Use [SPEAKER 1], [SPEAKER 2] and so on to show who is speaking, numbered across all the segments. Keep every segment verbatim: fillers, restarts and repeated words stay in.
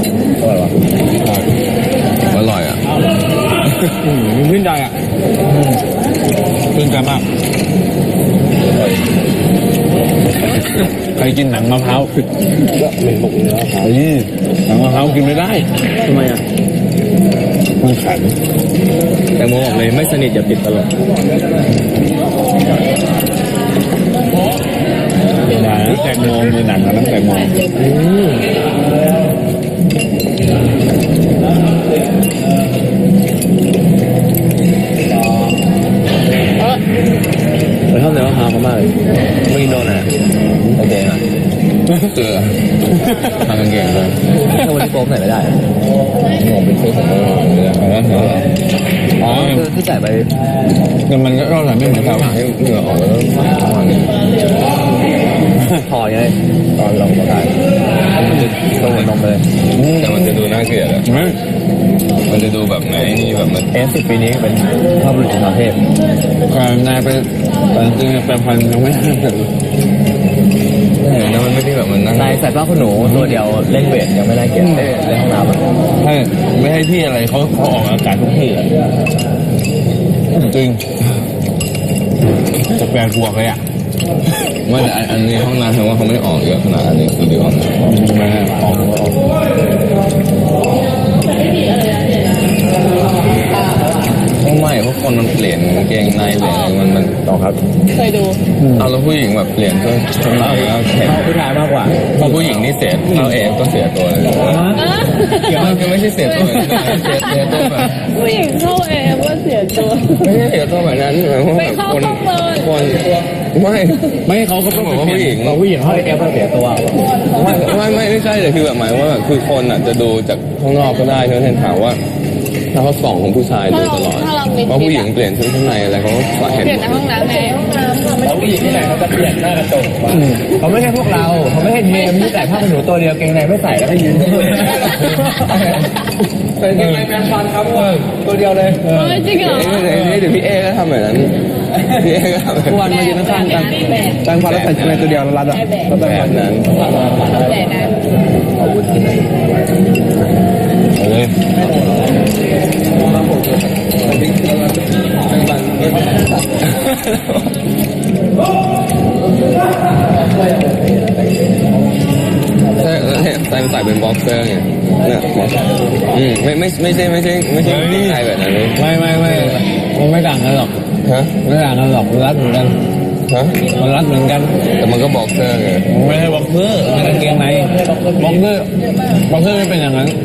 [SPEAKER 1] อร่อยอ่ะ
[SPEAKER 2] มันขึ้นใจอ่ะขึ้นใจมากใครกินหนังมะพร้าวก็เป็นปกเนื้อครับหนังมะพร้าวกินไม่ได้ทำไมอ่ะมันแข็งแต่โมบอกเลยไม่สนิทอย่าปิดตลอดแตงโมมีหนังกับน้ำแตงโมเราชอบเนื้อมะพร้าวมากเลยไม่กินโดนอ่ะโอเคอ่ะเกลือทำกันเก่งเลยถ้าวันนี้โป๊กใส่ไม่ได้งงเป็นเพื่อนอ๋อคือที่ใส่ไปแต่มันก็ใส่ไม่เหมือนกันให้เหงื่อออกแล้วพอไงตอนลงก็ได้มันจะต้องเหมือนนมเลยแต่มันจะดูน่าเกลียดอ่ะมันจะดูแบบไหนนี่แบบมันเอฟสิบปีนี้เป็นภาพบุรุษของประเทศการนายไปแต่จริงๆแปลพันยังไม่ห้ามเลยแล้วมันไม่ได้แบบมันนั่งนายใส่ผ้าขนหนูตัวเดียวเล่นเวทยังไม่ได้เกลียดเล่นห้องน้ำอ่ะใช่ไม่ให้ที่อะไรเขาเขาออกอากาศทุกที่อ่ะจริงจะแปลกลัวเลยอ่ะว่าแต่อันนี้ห้องน้ำแสดงว่าเขาไม่ได้ออกเยอะขนาดนี้คือเดียวออกไม่ออกออกไม่เพราะคนมันเปลี่ยนกางเกงในเปลี่ยนอะไรมันมันต่อครับ
[SPEAKER 3] เคยดู
[SPEAKER 1] เอาแล้วผู้หญิงแบบเปลี่ยนก็ชนแล้ว
[SPEAKER 2] เขาผู้ชายมากกว่า
[SPEAKER 1] เพราะผู้หญิงนี่เสียเราเองก็เสียตัวเลยเกี่ยวกับไม่ใช่เสียตัวเสียเสียตัวแบบ
[SPEAKER 3] ผู้หญิงเข้าเองว่าเสียตัว
[SPEAKER 1] ไม่ใช่เสียตัวแบบนั้นหมายความว่าคนคนไม่
[SPEAKER 2] ไม่เขาก็ต้อง
[SPEAKER 1] บอกว่าผู้หญิง
[SPEAKER 2] เราผู้หญิงเขาเองก็เสียตัว
[SPEAKER 1] ไม่ไม่ไม่ไม่ใช่แต่คือแบบหมายว่าแบบคือคนอ่ะจะดูจากข้างนอกก็ได้เช่นถามว่าถ้าเขาส่องของผู้ชายดูตลอดเพราะผู้หญิงเปลี่ยนชุดข้างในอะไรเขาก็เห็น
[SPEAKER 3] เปลี่ยนในห้องน้ำไงห้องน้ำ
[SPEAKER 2] แล้วผู้หญิงที่ไหนเขาจะเปลี่ยนหน้ากระจกเขาไม่ใช่พวกเราเขาไม่ให้เทมที่ใส่ผ้าขนหนูตัวเดียวเกงในไม่ใส่แล้วก็ยืนใส่เกงในแมนฟันครับตัวเดียวเลย
[SPEAKER 3] จริงเหรอ
[SPEAKER 1] นี่เดี๋ยวพี่เอก็ทำแบบนั้นพี่เอก็ทำแบบ
[SPEAKER 2] วันมายืนข้างกันตั้งฟันแล้วใส่ในตัวเดียวแล้วรัดอ่ะก็แบบนั้น
[SPEAKER 3] แต่นั้น
[SPEAKER 1] อาวุธที่ไหนเลยใช่ใส่ใส่เป็นบ็อกเซอร์ไงเนี่ยอืมไม่ไม่ไม่ใช่ไม่ใช่ไม่ใช่ไม่ใช่แบบนั้น
[SPEAKER 2] ไม่ไม่ไม่มันไม่ต่างกันหรอก
[SPEAKER 1] ฮะ
[SPEAKER 2] ไม่ต่างกันหรอกรัดเหมือนกัน
[SPEAKER 1] ฮะ
[SPEAKER 2] มันรัดเหมือนกัน
[SPEAKER 1] แต่มันก็บ็อกเซอร์ไง
[SPEAKER 2] ไม่ใช่บ็อกเซอร์มันกางเกงในบ็อกเซอร์บ็อกเซอร์ไม่เป็นอย่างนั้น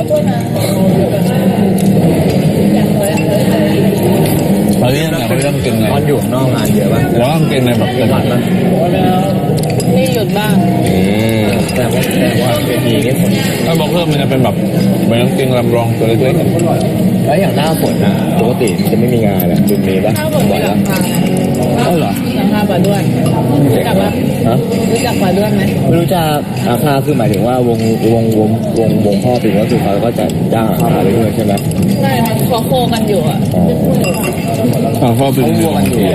[SPEAKER 2] เขาเรียกอะไรเขาเรียกกางเกงใน
[SPEAKER 1] ตอนอยู่นอกงานเยอะป่ะ
[SPEAKER 2] แล้วกางเกงในแบบเต็มหมัดนะ
[SPEAKER 3] นี่หยุดบ้าง
[SPEAKER 1] แต่ว่าแต่ว่าเวทีนี่ฝน
[SPEAKER 2] ถ้าบ็อกเซอร์มันจะเป็นแบบเหมือนกางเกงลำรองตัวเล็ก
[SPEAKER 1] ๆแล้วอย่างหน้าฝนนะปกติมันจะไม่มีงานอ่ะจุดนี้ป่ะ
[SPEAKER 3] บ่อยแล้ว
[SPEAKER 2] เอ้าเหรอ
[SPEAKER 3] ราคาป่าด้วนรู้จักป่ะฮะรู้จักป่าด้วนไหม
[SPEAKER 1] ไม่รู้จักราคาคือหมายถึงว่าวงวงวงวงวงพ่อปิดก็คือเขาก็จะจ้างราคาไปด้วยใช่ไหม
[SPEAKER 3] ใช่มันเขาโคกันอยู่อ่ะ
[SPEAKER 2] อ๋อพ่อปิด
[SPEAKER 1] โคกันอยู่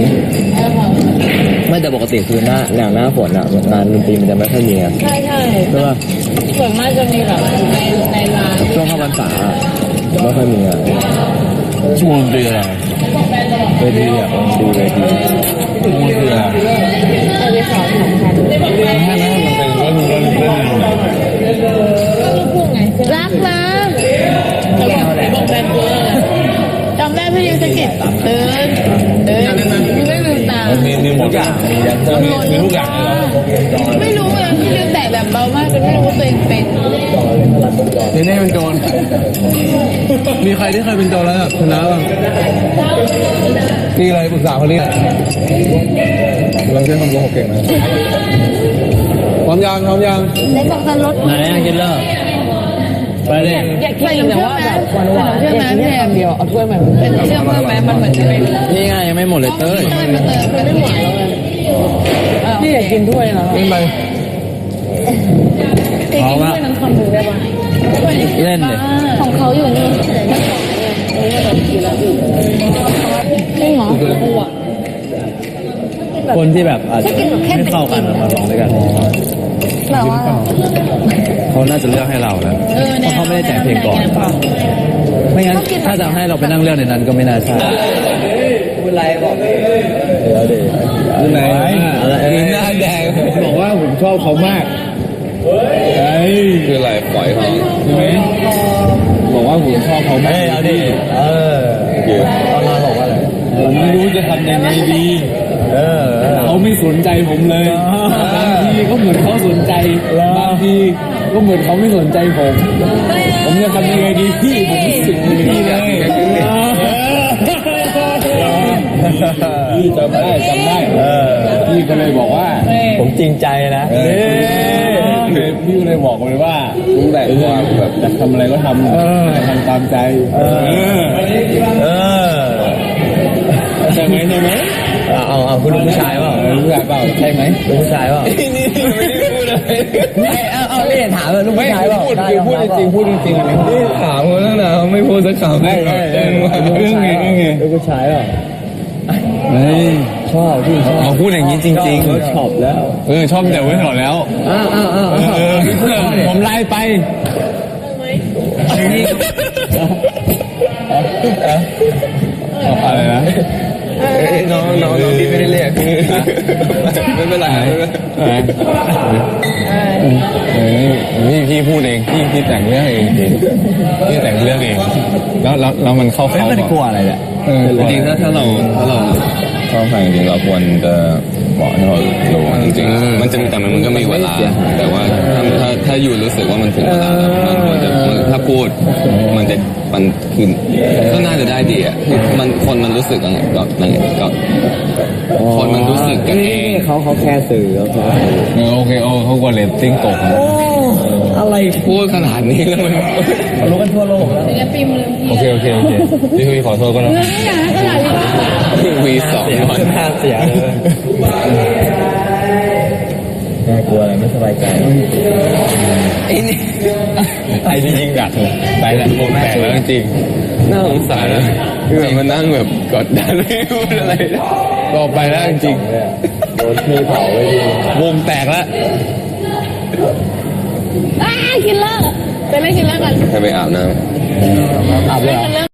[SPEAKER 1] ไม่แต่ปกติคือหน้าอย่างหน้าฝนอ่ะงานดนตรีมันจะไม่ค่อยมีอ่ะ
[SPEAKER 3] ใช่ใช่
[SPEAKER 1] ใช่ป่ะ
[SPEAKER 3] ส่วนมากจะมีแบบในในร้าน
[SPEAKER 1] ช่วงเข้าพรรษาไม่ค่อยมีอ่ะ
[SPEAKER 2] ช่วงดีอะไร
[SPEAKER 1] เวทีอ่ะดูเวที
[SPEAKER 2] ช่วงดีอะไร
[SPEAKER 3] เออไปสอนสองพัน
[SPEAKER 2] ให้ไหมมันเป็นเรื่องเรื่องเรื่อง
[SPEAKER 3] ก็ลูกพูดไงรักนะแต่บอกแบบเบอร์จำได้พี่ยูสกิดตื่นตื่นไม่ลืมตา
[SPEAKER 2] มีมีหมดอย่างมีมีทุกอย่าง
[SPEAKER 3] ไม่รู้เลยพี่ยูแต่แบบเบามากจนไม่รู้ตัวเองเป็น
[SPEAKER 2] นี่นี่เป็นโจรมีใครที่เคยเป็นโจรแล้วชนะบ้างนี่อะไรปรึกษาเขาเนี่ยเราใช้คำโกหกเก่งนะพร้อมยังพร้อมยัง
[SPEAKER 3] เล็กบอกจะลด
[SPEAKER 2] ไหนกินเลิกไปเลย
[SPEAKER 3] อยากกินแต่ว่าแบบหวานๆเชื่อไหมพี่แอมเดียวเอาถ้วยมันเป็นเชื่อไหมมันเหมือนจะเป็น
[SPEAKER 2] นี่ไงยังไม่หมดเลยเต้ย
[SPEAKER 3] เต้ยมาเติมเต้ยไม่หวานแล้วไงพี่อยากกินถ้วยนะ
[SPEAKER 2] เล่นไป
[SPEAKER 3] กินถ้วยนั้นคำหนึ่งได้ปะ
[SPEAKER 2] เล่นเลย
[SPEAKER 3] ของเขาอยู่นี่จริงเหรอ
[SPEAKER 2] คนที่แบบอาจจะไม่เข้ากันมาลองด้วยกัน
[SPEAKER 3] แบบว่า
[SPEAKER 2] เขาน่าจะเลือกให้เราแล้ว
[SPEAKER 3] เออ
[SPEAKER 2] เพราะเขาไม่ได้แจกเพลงก่อน ไม่งั้นถ้าจะให้เราไปนั่งเลือกในนั้นก็ไม่น่าใช่คุณไรบอกเดี๋ยวดิคุณไหนอะไรหน้าแดงบอกว่าผมชอบเขามากเฮ้ย
[SPEAKER 1] คืออะไรปล่อยเขา
[SPEAKER 2] ใช่ไหมบอกว่าผมชอบเขามากเอาดิเออ
[SPEAKER 1] คือ
[SPEAKER 2] ตอนมาบอกว่าอะไรผมไม่รู้จะทำยังไงดีเออเขาไม่สนใจผมเลยบางทีก็เหมือนเขาสนใจบางทีก็เหมือนเขาไม่สนใจผม ผมจะทำยังไงดีพี่ผมรู้สึกดีเลยพี่จำได้จำได้พี่ก็เลยบอกว่า ผมจริงใจนะพี่ก็เลยบอกเลยว่า
[SPEAKER 1] รู้แหละความแบบ
[SPEAKER 2] อยากทำอะไรก็ทำทำตามใจเออเออใช่ไหมใช่ไหมเอาเอาคุณลูกผู้ชายเปล่าลูกผู้ชายเปล่าใช่ไหมลูกผู้ชายเปล่า
[SPEAKER 1] นี่นี่ไม่ได้พูดอะไร
[SPEAKER 2] เอาเอาเรียนถามเลยลูกผู้ชายเปล่า
[SPEAKER 1] พูดคือพูดจริงพูดจริงๆนี่ถามเขาตั้งนานเขาไม่พูดสักคำเลยเรื่องไงเรื่องไง
[SPEAKER 2] ลูกผู้ชายเปล่าเฮ้ยชอบพี่ชอบ
[SPEAKER 1] เขาพูดอย่างนี้จริงๆ
[SPEAKER 2] ชอบแล้ว
[SPEAKER 1] เออชอบแต่ไว้ถอดแล้ว
[SPEAKER 2] อ้าวอ้าวอ้าว
[SPEAKER 1] เออผมไล่ไป
[SPEAKER 2] อะไรนะ
[SPEAKER 1] น้องน้องน้องพี่ไม่ได้เรียกไม่เป็นไรไม่เป็นไรนี่พี่พูดเองพี่พี่แต่งเรื่องเองจริงพี่แต่งเรื่องเองแล้วแล้วแล้วมันเข้า
[SPEAKER 2] ไม่
[SPEAKER 1] เขา
[SPEAKER 2] ได้กลัวอะไรแหละ
[SPEAKER 1] เออจริงๆถ้าถ้าเราถ้าเราชอบใครจริงๆเราควรจะบอกให้เขารู้จริงๆมันจะแต่มันก็มีเวลาแต่ว่าถ้าถ้าถ้าอยู่รู้สึกว่ามันถึงเวลาแล้วมันควรจะมันถ้าพูดมันจะมันคือก็น่าจะได้ดีอ่ะมันคนมันรู้สึกกันก็นั่นก็คนมันรู้สึกกันเอง
[SPEAKER 2] เขาเขาแค่สื่อเขาแค่สื่อ
[SPEAKER 1] เออโอเคโอ้เขากลัวเรตติ้งตก
[SPEAKER 2] อะไร
[SPEAKER 1] พูดขนาดนี้แล้วมัน
[SPEAKER 2] รู้กันทั่วโลกแล้ว
[SPEAKER 3] ศิลปินลืม
[SPEAKER 1] โอเคโอเคโอเคพี่พี่ขอโทษก็แล้ว
[SPEAKER 3] ลืมไม่อยากให้กระดาษดีกว่า
[SPEAKER 1] วีสองหน่อย
[SPEAKER 2] น่าเสียเลยน่ากลัวอะไรไม่สบายใจ
[SPEAKER 1] ไอ้นี่ไอ้นี่ยิงดักเลยไปแหละโคตรแปลกแล้วจริงน่าสงสารนะคือแบบมันนั่งแบบกดดันไม่พูดอะไรก็ไปแล้วจริง
[SPEAKER 2] โดนพี่เผาเลย
[SPEAKER 1] วงแตกแล้ว
[SPEAKER 3] อ้าคิลเลอร์ไปเล่นคิลเลอร์กัน
[SPEAKER 1] ให้ไปอาบน้ำ
[SPEAKER 2] อาบเลยเหรอ
[SPEAKER 3] คิลเลอร์